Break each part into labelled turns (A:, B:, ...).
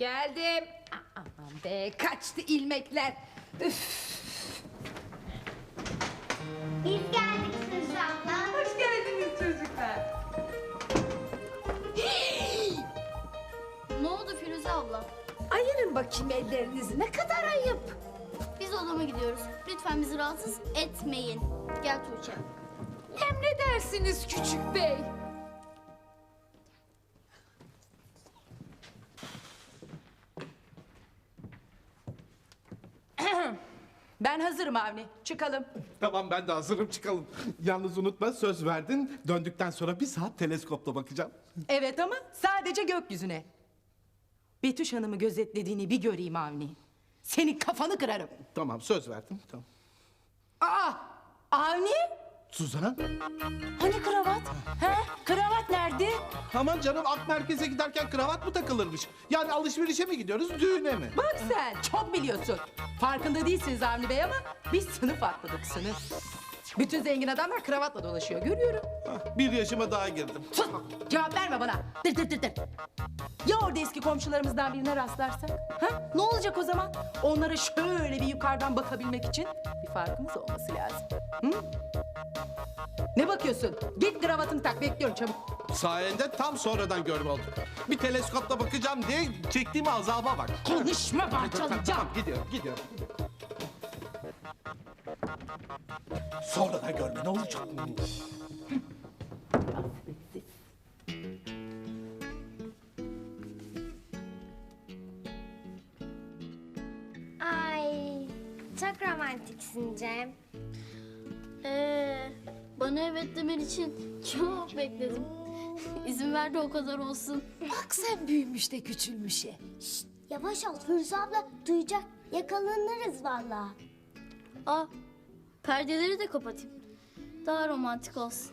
A: Geldim. Aman be, kaçtı ilmekler. Üf.
B: Biz geldik Firuze abla.
A: Hoş geldiniz çocuklar.
C: Ne oldu Firuze abla?
A: Ayırın bakayım ellerinizi, ne kadar ayıp.
C: Biz odama gidiyoruz. Lütfen bizi rahatsız etmeyin. Gel Tuğçe.
A: Emredersiniz küçük bey. Ben hazırım Avni. Çıkalım.
D: Tamam ben de hazırım çıkalım. Yalnız unutma söz verdin. Döndükten sonra bir saat teleskopla bakacağım.
E: Evet ama sadece gökyüzüne. Betüş Hanım'ı gözetlediğini bir göreyim Avni. Senin kafanı kırarım.
D: Tamam söz verdim. Tamam.
E: Aa! Avni?
D: Suzan?
E: Hani kravat? He? Kravat nerede?
D: Aman canım ak merkeze giderken kravat mı takılırmış? Yani alışverişe mi gidiyoruz düğüne mi?
E: Bak sen çok biliyorsun. Farkında değilsiniz Avni Bey ama biz sınıf atladık sınıf. Bütün zengin adamlar kravatla dolaşıyor görüyorum.
D: Bir yaşıma daha girdim.
E: Sus! Cevap verme bana. Dır dır dır dır. Ya orada eski komşularımızdan birine rastlarsak? Ha? Ne olacak o zaman? Onlara şöyle bir yukarıdan bakabilmek için bir farkımız olması lazım. Hı? Ne bakıyorsun? Git kravatını tak, bekliyorum çabuk.
D: Sayende tam sonradan görme oldum. Bir teleskopla bakacağım diye çektiğim azaba bak.
E: Konuşma, parçalayacağım.
D: Tamam gidiyorum. Sonradan görme ne olacak?
B: Ay, çok romantiksin Cem.
C: Bana evet demen için çok bekledim. İzin ver de o kadar olsun.
A: Bak sen büyümüş de küçülmüşe.
B: Yavaş ol Firuze abla duyacak. Yakalanırız vallahi.
C: Aa, perdeleri de kapatayım. Daha romantik olsun.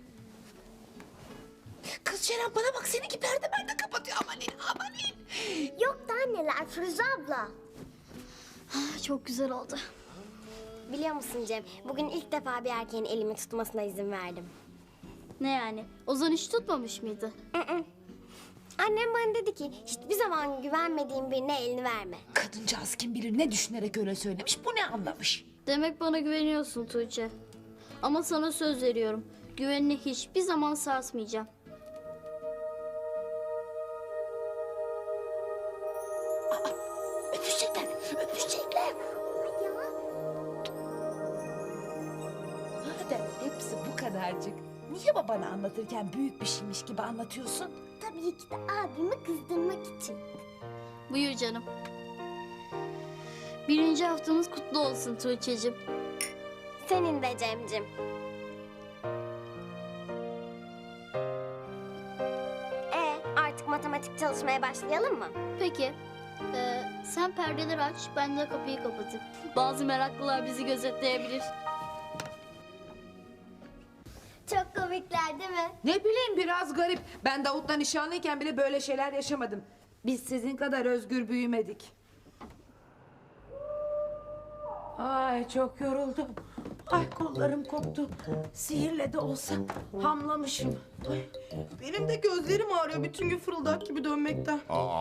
A: Kız Ceren bana bak, seninki perde perde kapatıyor. Amanin.
B: Yok da anneler Firuze abla.
C: Çok güzel oldu.
B: Biliyor musun Cem, bugün ilk defa bir erkeğin elimi tutmasına izin verdim.
C: Ne yani? Ozan hiç tutmamış mıydı?
B: Annem bana dedi ki, hiçbir zaman güvenmediğin birine elini verme.
A: Kadıncağız kim bilir ne düşünerek öyle söylemiş, bu ne anlamış?
C: Demek bana güveniyorsun Tuğçe. Ama sana söz veriyorum. Güvenini hiçbir zaman sarsmayacağım.
A: Öpüşecekler. Madem hepsi bu kadarcık, niye babana anlatırken büyük bir şeymiş gibi anlatıyorsun?
B: Tabii ki de abimi kızdırmak için.
C: Buyur canım. 1. haftamız kutlu olsun Tuğçe'cim.
B: Senin de Cem'cim. Artık matematik çalışmaya başlayalım mı?
C: Peki. Sen perdeleri aç, ben de kapıyı kapatayım. Bazı meraklılar bizi gözetleyebilir.
B: Çok komikler değil mi?
A: Ne bileyim, biraz garip. Ben Davut'la nişanlıyken bile böyle şeyler yaşamadım. Biz sizin kadar özgür büyümedik. Ay çok yoruldum. Ay kollarım koptu. Sihirle de olsa hamlamışım. Ay,
E: Benim de gözlerim ağrıyor bütün gün fırıldak gibi dönmekten.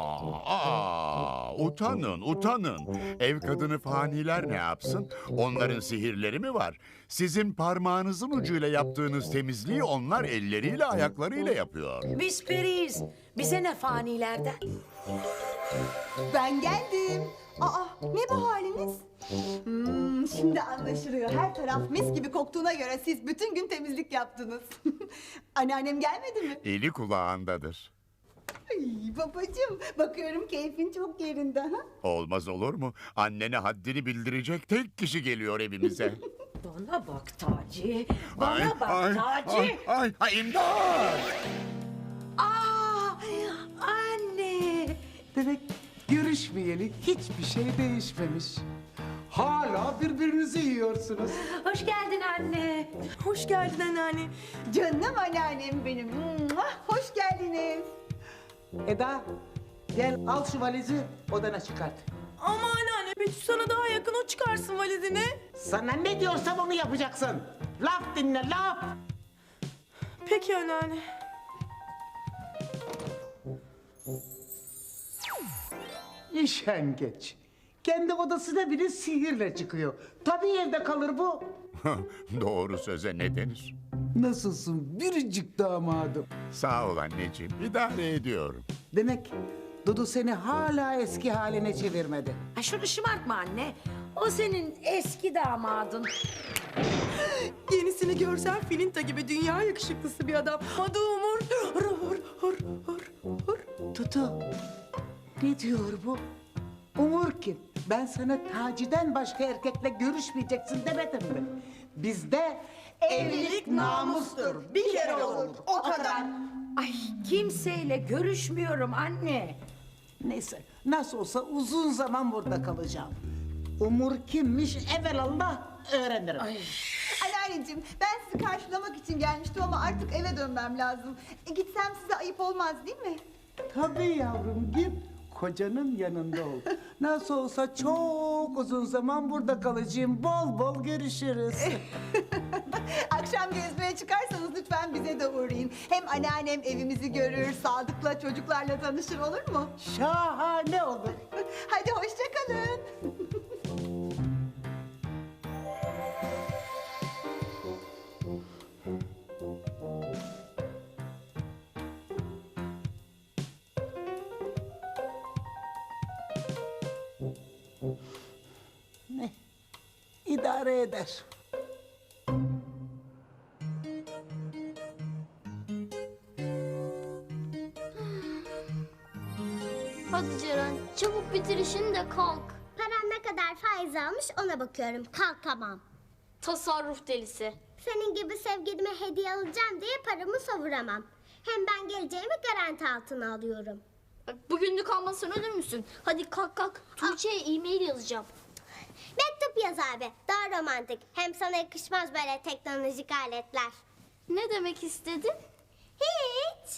F: Utanın. Ev kadını faniler ne yapsın? Onların sihirleri mi var? Sizin parmağınızın ucuyla yaptığınız temizliği onlar elleriyle, ayaklarıyla yapıyor.
A: biz periyiz. Bize ne fanilerden?
G: Ben geldim. Aa, ne bu haliniz? Şimdi anlaşılıyor. Her taraf mis gibi koktuğuna göre siz bütün gün temizlik yaptınız. Anneannem gelmedi mi?
F: Eli kulağındadır.
G: Ay babacığım, bakıyorum keyfin çok yerinde ha?
F: Olmaz olur mu? Annene haddini bildirecek tek kişi geliyor evimize.
A: Bana bak Taci. Bana bak Taci.
F: Ay, imdat!
A: Aa, anne.
H: Demek görüşmeyeli hiçbir şey değişmemiş. Hala birbirinizi yiyorsunuz.
A: Hoş geldin anne.
E: Hoş geldin anneanne.
G: Canım anneannem benim. Muah, hoş geldiniz.
H: Eda, gel al şu valizi odana çıkart.
E: Ama anneanne Betüş sana daha yakın, o çıkarsın valizini.
H: Sana ne diyorsam onu yapacaksın. Laf dinle, laf.
E: Peki anneanne.
H: İşengeç. Kendi odasına bile sihirle çıkıyor. Tabii evde kalır bu.
F: Doğru söze ne denir?
H: Nasılsın biricik damadım?
F: Sağ ol anneciğim, idare ediyorum.
H: Demek Dudu seni hala eski haline çevirmedi.
A: Ay şunu şımartma anne. O senin eski damadın.
E: Yenisini görsen Filinta gibi dünya yakışıklısı bir adam. Adı Umur.
H: Dudu, ne diyor bu? Umur kim? Ben sana Taci'den başka erkekle görüşmeyeceksin demedim mi? Bizde evlilik namustur. Bir kere olur, o kadar.
A: Ay kimseyle görüşmüyorum anne.
H: Neyse, nasıl olsa uzun zaman burada kalacağım. Umur kimmiş evelallah öğrenirim.
G: Anneanneciğim ben sizi karşılamak için gelmiştim ama artık eve dönmem lazım. Gitsem size ayıp olmaz değil mi?
H: Tabii yavrum, git kocanın yanında ol. Nasıl olsa çok uzun zaman burada kalacağım. Bol bol görüşürüz.
G: Akşam gezmeye çıkarsanız lütfen bize de uğrayın. Hem anneannem evimizi görür, Sadık'la çocuklarla tanışır olur mu?
H: Şahane olur.
G: Hadi hoşça kalın.
H: Ne? İdare eder.
C: Hadi Ceren, çabuk bitir işini de kalk.
B: Param ne kadar faiz almış ona bakıyorum. Kalkamam.
C: Tasarruf delisi.
B: Senin gibi sevgilime hediye alacağım diye paramı savuramam. Hem ben geleceğimi garanti altına alıyorum.
C: Bak, bugünlük almasan ölür müsün? Hadi kalk kalk. Tuğçe'ye e-mail yazacağım.
B: Mektup yaz abi. Daha romantik. Hem sana yakışmaz böyle teknolojik aletler.
C: Ne demek istedin?
B: Hiç.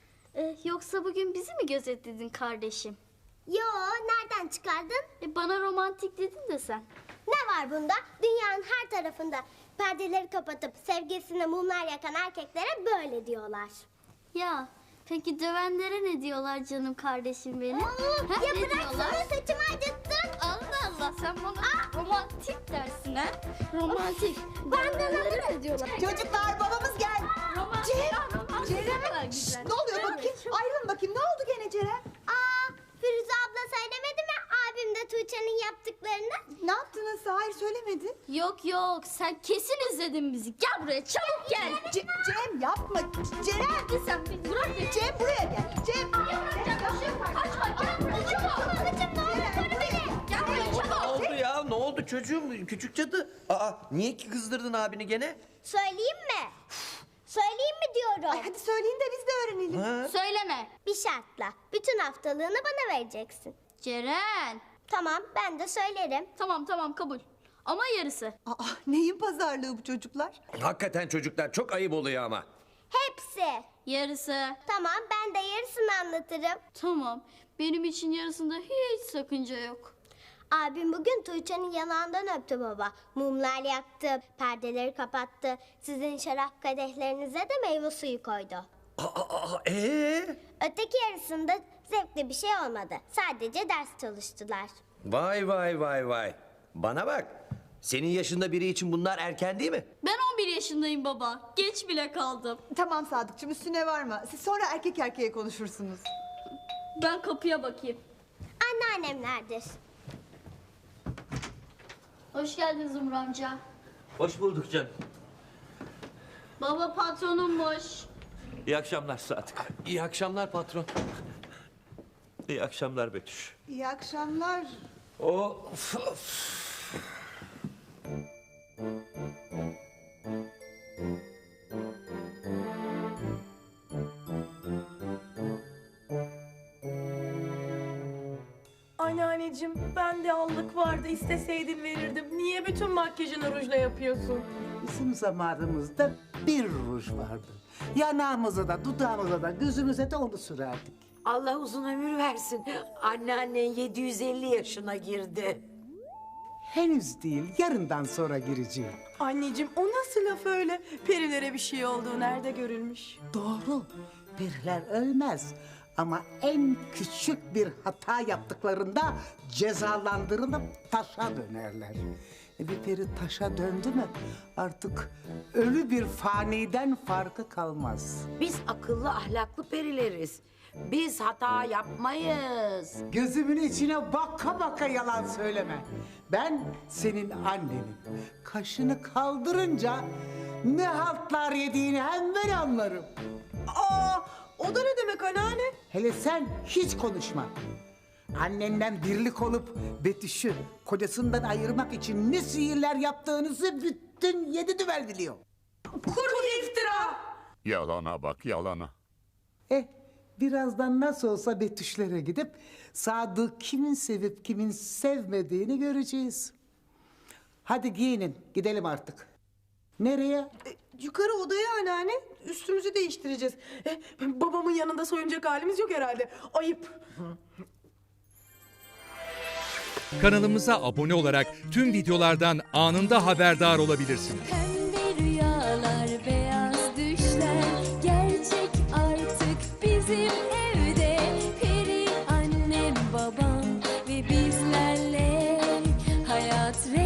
C: Yoksa bugün bizi mi gözetledin kardeşim?
B: Yo, nereden çıkardın?
C: Bana romantik dedin de sen.
B: Ne var bunda? Dünyanın her tarafında perdeleri kapatıp sevgilisine mumlar yakan erkeklere böyle diyorlar.
C: Ya peki dövenlere ne diyorlar canım kardeşim benim?
B: Ya
C: ne
B: bıraksana
C: diyorlar?
B: saçımı acıttın.
C: Allah Allah sen bana romantik dersin ha? Romantik. Dövenlere ne diyorlar?
G: Çocuklar babamız geldi.
C: Romantik.
G: Ceren. Şşt, ne oluyor bakayım? Ayrılın bakayım. Ne oldu gene Ceren?
B: Firuze abla söylemedi mi abim de Tuğçe'nin yaptıklarını?
G: Ne yaptınız? Hayır söylemedi.
C: Yok yok sen kesin izledin bizi. Gel buraya çabuk gel.
G: Cem yapma. Ceren.
C: Hadi sen bir bırak beni.
G: Cem buraya gel. Cem.
C: Kaçma gel buraya çabuk. Gel buraya
I: Ne
C: çabuk.
I: oldu ya? Ne oldu çocuğum? Küçük cadı. Aa, niye ki kızdırdın abini gene?
B: Söyleyeyim mi? Söyleyeyim mi diyorum.
G: Ay hadi söyleyin de biz de öğrenelim.
I: Ha?
C: Söyleme.
B: Bir şartla. Bütün haftalığını bana vereceksin.
C: Ceren.
B: Tamam ben de söylerim.
C: Tamam kabul. Ama yarısı.
G: Aa, neyin pazarlığı bu çocuklar?
I: Hakikaten çocuklar çok ayıp oluyor ama.
B: Hepsi.
C: Yarısı.
B: Tamam ben de yarısını anlatırım.
C: Tamam. Benim için yarısında hiç sakınca yok.
B: Abim bugün Tuğçe'nin yanağından öptü baba. Mumlar yaktı, perdeleri kapattı. Sizin şarap kadehlerinize de meyve suyu koydu. Öteki yarısında zevkli bir şey olmadı. Sadece ders çalıştılar.
I: Vay. Bana bak. Senin yaşında biri için bunlar erken değil mi?
C: Ben 11 yaşındayım baba. Geç bile kaldım.
G: Tamam Sadıkçım üstüne varma. Siz sonra erkek erkeğe konuşursunuz.
C: Ben kapıya bakayım.
B: Anneannemlerdir.
C: Hoş geldin Zumru amca.
J: Hoş bulduk canım.
C: Baba patronummuş.
J: İyi akşamlar Sadık.
I: İyi akşamlar patron.
J: İyi akşamlar Betüş.
G: İyi akşamlar.
J: Of.
E: Anneanneciğim bende allık vardı isteseydin verirdim. Niye bütün makyajını rujla yapıyorsun?
H: Bizim zamanımızda bir ruj vardı. Yanağımıza da, dudağımıza da, gözümüze de onu sürerdik.
A: Allah uzun ömür versin. Anneannen 750 yaşına girdi.
H: Henüz değil, yarından sonra gireceğim.
E: Anneciğim o nasıl laf öyle? Perilere bir şey olduğu nerede görülmüş?
H: Doğru, periler ölmez. Ama en küçük bir hata yaptıklarında cezalandırılıp taşa dönerler. Bir peri taşa döndü mü artık ölü bir faniden farkı kalmaz.
A: Biz akıllı ahlaklı perileriz. Biz hata yapmayız.
H: Gözümün içine baka baka yalan söyleme. Ben senin annenim. Kaşını kaldırınca ne haltlar yediğini hemen anlarım.
G: Aa, o da ne demek anneanne?
H: Hele sen hiç konuşma. Annenden birlik olup Betüş'ü kocasından ayırmak için ne sihirler yaptığınızı bütün 7 düvel biliyor.
G: Kuru iftira!
F: Yalana bak, yalana.
H: Birazdan nasıl olsa Betüş'lere gidip Sadık kimin sevip kimin sevmediğini göreceğiz. Hadi giyinin, gidelim artık. Nereye?
G: Yukarı odaya anneanne. Üstümüzü değiştireceğiz. Babamın yanında soyunacak halimiz yok herhalde. Ayıp.
K: Kanalımıza abone olarak tüm videolardan anında haberdar olabilirsiniz.
L: Pembe rüyalar, beyaz düşler gerçek artık bizim evde. Peri annem, babam ve bizlerle hayat